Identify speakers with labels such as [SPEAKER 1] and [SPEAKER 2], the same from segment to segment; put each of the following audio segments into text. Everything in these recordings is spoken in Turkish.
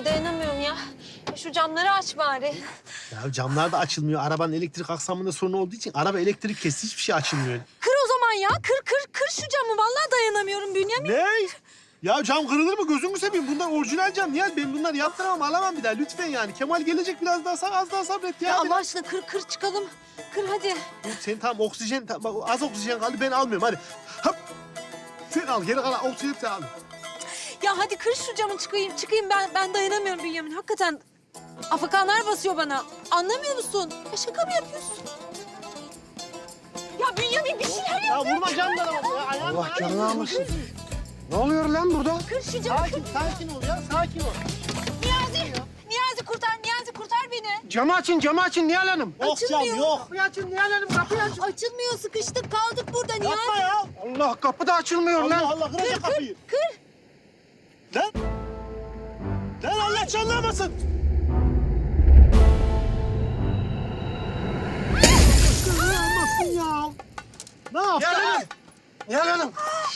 [SPEAKER 1] Ay dayanamıyorum ya. Şu camları aç bari.
[SPEAKER 2] Ya camlar da açılmıyor. Arabanın elektrik aksamında sorun olduğu için araba elektrik kesti. Hiçbir şey açılmıyor.
[SPEAKER 1] Kır o zaman ya. Kır şu camı. Vallahi dayanamıyorum Bünyamin.
[SPEAKER 2] Ne? Ya cam kırılır mı? Gözünü seveyim. Bunlar orijinal cam. Niye? Ben bunları yaptıramam, alamam bir daha. Lütfen yani. Kemal gelecek biraz daha az daha sabret ya.
[SPEAKER 1] Ya Allah aşkına kır çıkalım. Kır hadi.
[SPEAKER 2] Sen tamam oksijen, bak az oksijen kaldı. Ben almıyorum hadi. Hop. Sen al. Geri kalan oksijen sen al.
[SPEAKER 1] Ya hadi kır şu camı çıkayım ben dayanamıyorum Bünyamin. Hakikaten afakanlar basıyor bana. Anlamıyor musun? Ya şaka mı yapıyorsun? Ya Bünyamin bir şeyler
[SPEAKER 2] Ya
[SPEAKER 1] yap.
[SPEAKER 2] vurma camlara bak ya. Ayağını
[SPEAKER 3] Allah canını almasın. Ne oluyor lan burada?
[SPEAKER 1] Kır şu camı.
[SPEAKER 2] Sakin ol ya. Sakin ol.
[SPEAKER 1] Niyazi kurtar beni.
[SPEAKER 3] Camı açın Nihal Hanım.
[SPEAKER 2] Yok cam
[SPEAKER 1] Açılmıyor.
[SPEAKER 2] yok.
[SPEAKER 3] Kapıyı açın Nihal Hanım, kapıyı açın.
[SPEAKER 1] Açılmıyor sıkıştık kaldık burada
[SPEAKER 2] Yapma
[SPEAKER 1] Niyazi.
[SPEAKER 2] ya.
[SPEAKER 3] Allah, kapı da açılmıyor
[SPEAKER 2] Allah
[SPEAKER 3] lan.
[SPEAKER 2] Allah kıracak kapıyı.
[SPEAKER 1] Kır.
[SPEAKER 2] Lan. Lan Allah canlanmasın. Canlanmasın ya. Ne yaptın?
[SPEAKER 3] Nihal Hanım.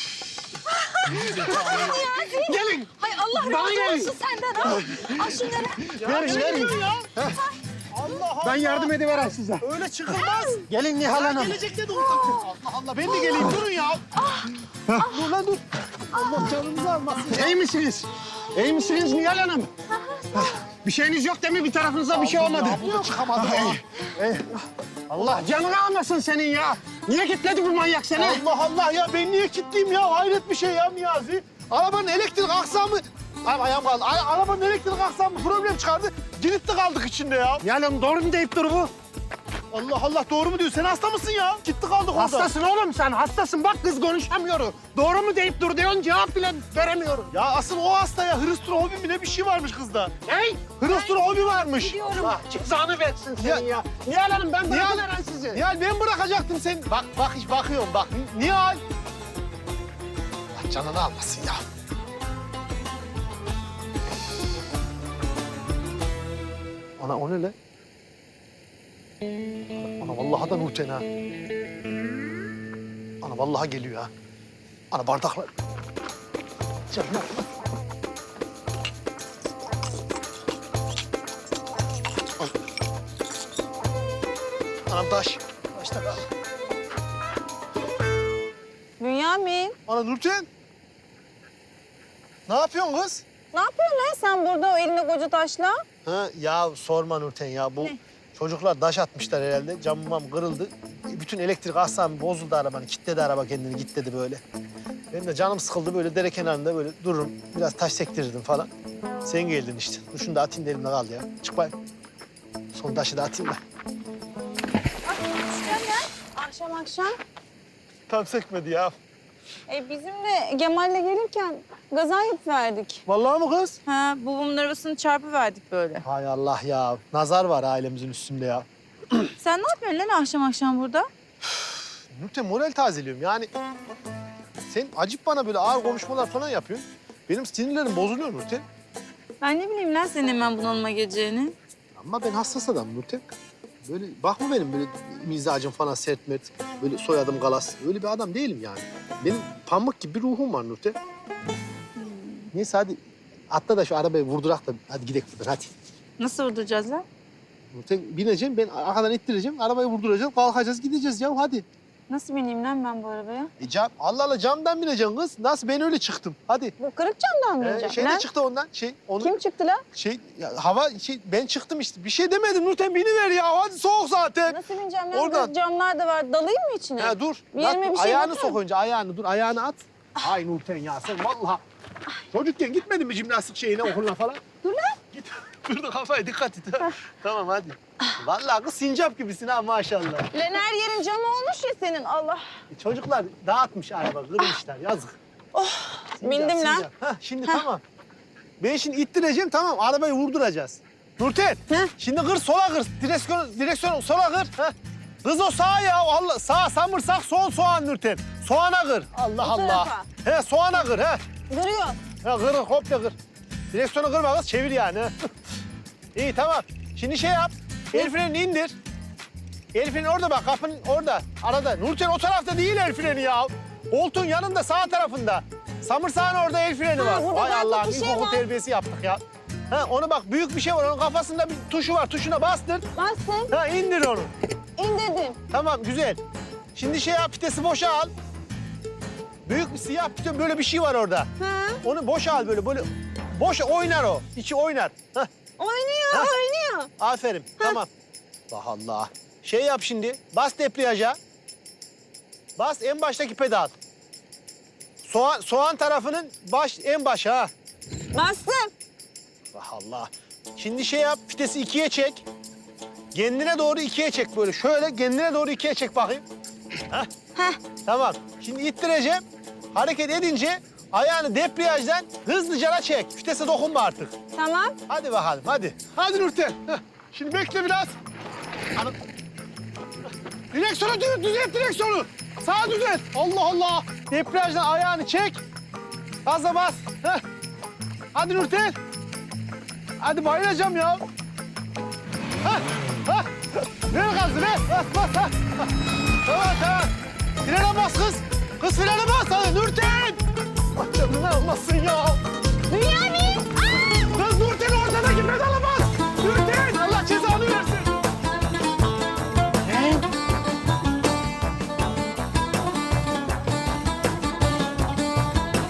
[SPEAKER 3] Gelin.
[SPEAKER 1] Hay Allah
[SPEAKER 3] Bana
[SPEAKER 1] razı
[SPEAKER 3] gelin.
[SPEAKER 1] olsun senden ha. Al şunları.
[SPEAKER 3] Verin.
[SPEAKER 2] Ya. Allah Allah.
[SPEAKER 3] Ben yardım ediverem size.
[SPEAKER 2] Öyle çıkılmaz.
[SPEAKER 3] Gelin Nihal Hanım.
[SPEAKER 2] Gelecekte de uzatın. Allah Allah ben de geleyim durun ya. Dur lan dur. Allah canınızı almasın ya.
[SPEAKER 3] İyi misiniz? İyi misiniz Nihal Hanım? Bir şeyiniz yok değil mi? Bir tarafınıza bir şey olmadı.
[SPEAKER 2] Ya burada çıkamadım ha.
[SPEAKER 3] Allah canını almasın senin ya. Niye kilitledi bu manyak seni?
[SPEAKER 2] Allah Allah ya ben niye kilitliyim ya? Hayret bir şey ya Niyazi. Arabanın elektrik aksamı... Ay, ayağım kaldı. Arabanın elektrik aksamı problem çıkardı. Kilitli kaldık içinde ya.
[SPEAKER 3] Nihal Hanım doğru mu deyip dur bu?
[SPEAKER 2] Allah Allah doğru mu diyor? Sen hasta mısın ya? Kilitli kaldık orada.
[SPEAKER 3] Hastasın oğlum sen, hastasın. Bak kız konuşamıyor. Doğru mu deyip dur diyorsun, cevap bile veremiyorum.
[SPEAKER 2] Ya asıl o hasta ya. Hırıstrofobi mi ne bir şey varmış kızda.
[SPEAKER 3] Hey!
[SPEAKER 2] Hırıstrofobi varmış.
[SPEAKER 1] Gidiyorum.
[SPEAKER 3] Allah cezanı versin senin ya. Nihal Hanım ben bırakıveren sizi.
[SPEAKER 2] Nihal ben bırakacaktım seni. Bak hiç bakıyorum bak. Nihal. Allah canını almasın ya. Ana o ne lan? Ana vallahi da Nurten ha. Ana vallahi geliyor ha. Ana bardaklar. Canım. Anam taş. Taş da kal.
[SPEAKER 1] Bünyamin.
[SPEAKER 2] Ana Nurten. Ne yapıyorsun kız?
[SPEAKER 1] Ne yapıyorsun lan sen burada o elinde koca taşla?
[SPEAKER 2] Ha, ya sorma Nurten ya. Bu çocuklar taş atmışlar herhalde. Camım kırıldı. Bütün elektrik aksamı bozuldu arabanın. Kilitledi araba kendini, kilitledi böyle. Benim de canım sıkıldı böyle dere kenarında böyle dururum. Biraz taş sektirirdim falan. Sen geldin işte. Dur şunu da atayım da elimde kaldı ya. Çık bakayım. Son taşı da atayım da.
[SPEAKER 1] Akşam.
[SPEAKER 2] Tam sekmedi ya.
[SPEAKER 1] Bizim de Gemal'le gelirken gaza yapıverdik.
[SPEAKER 2] Vallahi mı kız?
[SPEAKER 1] Ha, babamın arabasını çarpıverdik böyle.
[SPEAKER 2] Hay Allah ya. Nazar var ailemizin üstünde ya.
[SPEAKER 1] Sen ne yapıyorsun lan akşam burada?
[SPEAKER 2] Nurten moral tazeliyorum yani. Sen acip bana böyle ağır konuşmalar falan yapıyorsun. Benim sinirlerim bozuluyor Nurten.
[SPEAKER 1] Ben ne bileyim lan senin hemen bunalıma geleceğini.
[SPEAKER 2] Ama ben hassas adamım Nurten. Böyle bakma benim böyle mizacım falan sert mert. Böyle soyadım Galas. Öyle bir adam değilim yani. Benim pamuk gibi bir ruhum var Nurten. Neyse hadi atla da şu arabayı vurdurak da hadi gidelim buradan hadi.
[SPEAKER 1] Nasıl vurduracağız lan?
[SPEAKER 2] Nurten bineceğim ben arkadan ittireceğim. Arabayı vurduracağım kalkacağız gideceğiz ya hadi.
[SPEAKER 1] Nasıl bineyim lan ben bu arabaya?
[SPEAKER 2] Allah Allah camdan bineceksin kız. Nasıl ben öyle çıktım. Hadi.
[SPEAKER 1] Bu kırık camdan mı bineceğim?
[SPEAKER 2] Şey de çıktı ondan.
[SPEAKER 1] Kim çıktı lan?
[SPEAKER 2] Ben çıktım işte. Bir şey demedim Nurten biniver ya. Hadi soğuk zaten.
[SPEAKER 1] Nasıl bineceğim lan?
[SPEAKER 2] Oradan.
[SPEAKER 1] Camlar da var. Dalayım mı içine?
[SPEAKER 2] Ya dur.
[SPEAKER 1] Bir yerime bir şey
[SPEAKER 2] ayağını
[SPEAKER 1] batar.
[SPEAKER 2] sok önce ayağını. Dur ayağını at. Ay Nurten ya sen vallahi. Çocukken gitmedin mi jimnastik şeyine okuluna falan?
[SPEAKER 1] Dur lan.
[SPEAKER 2] Git. Dur da kafaya dikkat et. Tamam hadi. Vallahi kız sincap gibisin ha maşallah.
[SPEAKER 1] Lan her yerin camı olmuş ya senin. Allah.
[SPEAKER 2] Çocuklar dağıtmış araba kırmışlar yazık.
[SPEAKER 1] Bindim lan.
[SPEAKER 2] Hah, şimdi tamam. Ben şimdi ittireceğim tamam arabayı vurduracağız. Nurten şimdi kır sola kır. Direksiyonu sola kır. Heh. Kız o sağ ya Allah sağ samırsak sol soğan Nurten. Soğana kır. Allah
[SPEAKER 1] Bu
[SPEAKER 2] Allah.
[SPEAKER 1] tarafa.
[SPEAKER 2] He soğana kır he.
[SPEAKER 1] Duruyor.
[SPEAKER 2] Ha kır komple kır. Direksiyonu kırma kız çevir yani. İyi tamam. Şimdi şey yap. El frenini indir. El freni orada bak kapının orada arada. Nurten o tarafta değil el freni ya. Koltuğun yanında sağ tarafında. Samırsağın orada el freni var.
[SPEAKER 1] burada
[SPEAKER 2] Vay
[SPEAKER 1] bak,
[SPEAKER 2] Allah'ım
[SPEAKER 1] bir şey
[SPEAKER 2] ilkokul
[SPEAKER 1] var.
[SPEAKER 2] terbiyesi yaptık ya. Ha, onu bak büyük bir şey var. Onun kafasında bir tuşu var. Tuşuna bastır.
[SPEAKER 1] Bastım.
[SPEAKER 2] Ha, indir onu.
[SPEAKER 1] İndirdim.
[SPEAKER 2] Tamam, güzel. Şimdi şey yap, vitesi boşa al. Büyük bir siyah piton, böyle bir şey var orada.
[SPEAKER 1] Ha.
[SPEAKER 2] Onu boşa al böyle. Boş oynar o. İçi oynar. Hah,
[SPEAKER 1] Oynuyor,
[SPEAKER 2] Ha.
[SPEAKER 1] oynuyor.
[SPEAKER 2] aferin. Tamam. Allah Allah. Şey yap şimdi. Bas debriyaja. Bas en baştaki pedal. Soğan tarafının en başı ha.
[SPEAKER 1] Bastım.
[SPEAKER 2] Allah Allah. Şimdi şey yap, vitesi 2'ye çek. Kendine doğru 2'ye çek böyle. Şöyle kendine doğru 2'ye çek bakayım. Hah.
[SPEAKER 1] Heh.
[SPEAKER 2] Tamam. Şimdi ittireceğim. Hareket edince ayağını debriyajdan hızlıca çek. Vitese dokunma artık.
[SPEAKER 1] Tamam.
[SPEAKER 2] Hadi bakalım, hadi. Hadi Nurten. Heh. Şimdi bekle biraz. Hanım. Direksiyonu düzelt direksiyonu. Sağa düzelt. Allah Allah. Debriyajdan ayağını çek. Gaza bas. Heh. Hadi Nurten. Hadi bayılacağım ya. Hah, hah. Ver gazı, ver. Bas, bas. Ha. Tamam. Frene bas kız. Kız frene bas. Hadi Nurten. Allah canını almasın ya.